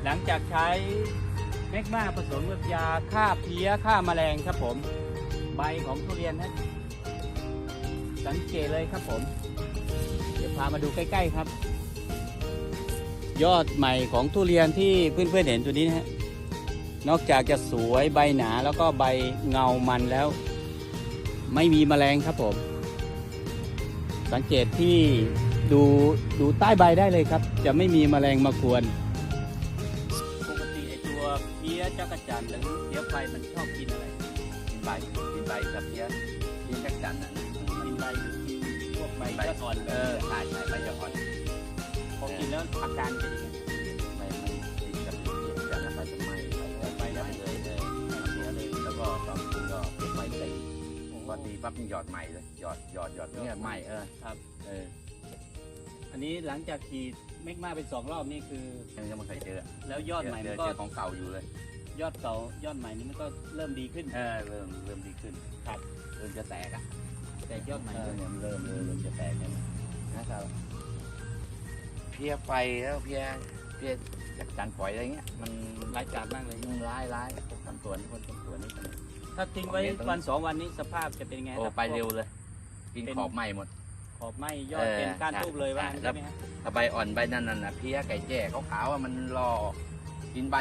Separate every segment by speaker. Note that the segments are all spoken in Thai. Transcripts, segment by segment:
Speaker 1: หลังจากใช้แมกมาผสมกับยาฆ่าเพลี้ยฆ่าแมลงครับผมใบของทุเรียนนะสังเกตเลยครับผมเดี๋ยวพามาดูใกล้ๆครับ ยอดใหม่ของทุเรียนที่เพื่อนๆเห็นตัวนี้นะฮะนอกจากจะสวยใบหนาแล้วก็ใบเงามันแล้ว ไม่มีแมลงครับผมสังเกตที่ดูใต้ใบได้เลยครับจะไม่มีแมลงมากวนปกติไอตัวเพี้ยจักรจั่นหรือเพี้ยไฟมันชอบกินอะไรกินใบกับเพี้ยจักรจั่นน่ะกินใบหรือกินพวกใบยอดอ่อนใช่ใบยอดอ่อนพอกินแล้วอาการเป็นยังไงไม่ติดกับเพี้ยจักรจั่นแล้วใบจะไหม้ใบแล้วเลยเพี้ยเลยแล้วก็ตอนกินก็เก็บใบเต็มพอตีปั๊บมันหยอดใหม่เลยหยอดเนี่ยใหม่ครับอันนี้หลังจากฉีดเมกมาเป็น2 รอบนี่คือยังไม่เคยเจอแล้วยอดใหม่มันก็ของเก่าอยู่เลยยอดเก่ายอดใหม่นี้มันก็เริ่มดีขึ้นเริ่มดีขึ้นครับเริ่มจะแตกแต่ยอดใหม่เนี่ยมันเริ่มจะแตกนะครับเพี้ยไฟแล้วเพี้ยจากจานปล่อยอะไรเงี้ยมันร้ายกาจมากเลยร้ายพวกทำตัวนี่ถ้าทิ้งไว้วัน2 วันนี้สภาพจะเป็นไงโอ้ไปเร็วเลยกินขอบไหม้หมดขอบไหม้ยอดเป็นก้านทูบเลยว่าใช่ไหมฮะถ้าใบอ่อนใบนั่นน่ะเพี้ยไก่แจ้ขาวๆมันรอกินใบ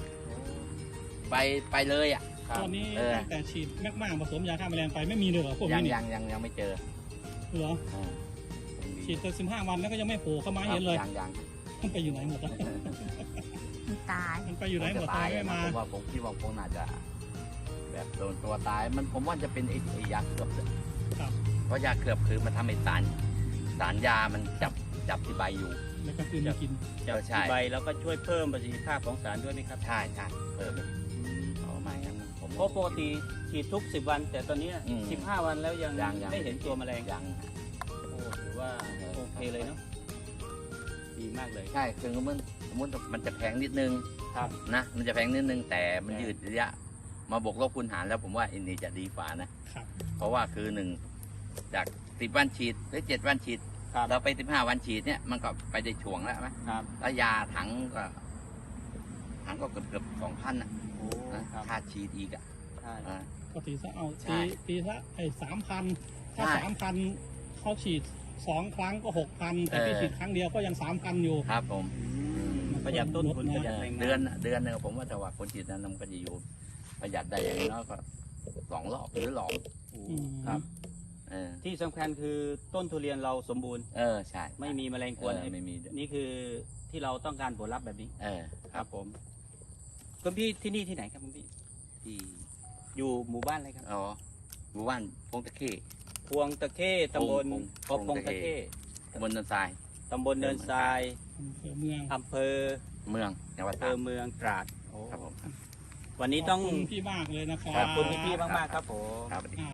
Speaker 1: ไปเลยอ่ะ
Speaker 2: ตอนนี้ตั้งแต่ฉีดแมกมาผสมยาฆ่าแมลงไปไม่มีเลยเหรอพวกนี้
Speaker 1: ยังไม่เจอ
Speaker 2: เหรอฉีดไป15 วันแล้วก็ยังไม่โผล่เข้ามาเห็นเลย
Speaker 1: ยัง
Speaker 2: มันไปอยู่ไหนหมด
Speaker 3: มันตาย
Speaker 2: มันไปอยู่ไหนหมดตายไม่มา
Speaker 1: ผมว่าผมคิดว่าคงน่าจะแบบโดนตัวตายมันผมว่าจะเป็นไอ้ยาเกือบเพราะยาเกือบคือมันทำให้สารยามันจับที่ใบอยู่
Speaker 2: แล้วก็คือมากิน
Speaker 1: จับที่ใบแล้วก็ช่วยเพิ่มประสิทธิภาพของสารด้วยไหมครับใช่เพิ่มเอามางั้นผมเพราะปกติฉีดทุก10 วันแต่ตอนนี้15 วันแล้วยังไม่เห็นตัวแมลงยังโอ้ถือว่าโอเคเลยเนาะดีมากเลยใช่คือมันจะแพงนิดนึงครับนะมันจะแพงนิดนึงแต่มันยืดระยะมาบวกลบคูณหารแล้วผมว่าอันนี้จะดีกว่านะเพราะว่าคือ1จาก10 วันฉีดหรือ7 วันฉีดเราไป15 วันฉีดเนี่ยมันก็ไปได้ช่วงแล้วไหมแล้วยาถังก็เกือบ2,000นะค่าฉีดอีก
Speaker 2: ก็ตีซะเอาตีซะ3,000ถ้า3,000เขาฉีด2 ครั้งก็6,000แต่พี่ฉีดครั้งเดียวก็ยัง3,000อยู่
Speaker 1: ครับผมประหยัดต้นทุนประหยัดเดือนนึงผมว่าแต่ว่าคนฉีดนั้นมันก็จะอยู่ประหยัดได้อย่างน้อยก็2 รอบหรือหลอกครับที่สำคัญคือต้นทุเรียนเราสมบูรณ์ใช่ไม่มีแมลงกวนไม่มีนี่คือที่เราต้องการผลลัพธ์แบบนี้ครับผมคุณพี่ที่นี่ที่ไหนครับคุณพี่ที่อยู่หมู่บ้านอะไรครับอ๋อหมู่บ้านพงตะเข้ตำบลพงตะเข้ตำบลเนินทรายอำเภอเมืองจังหวัดเมืองตราดครับผมวันนี้ต้อง
Speaker 2: ขอบคุณพี่มากเลยนะครับ
Speaker 1: ขอบคุณพี่มากๆครับผม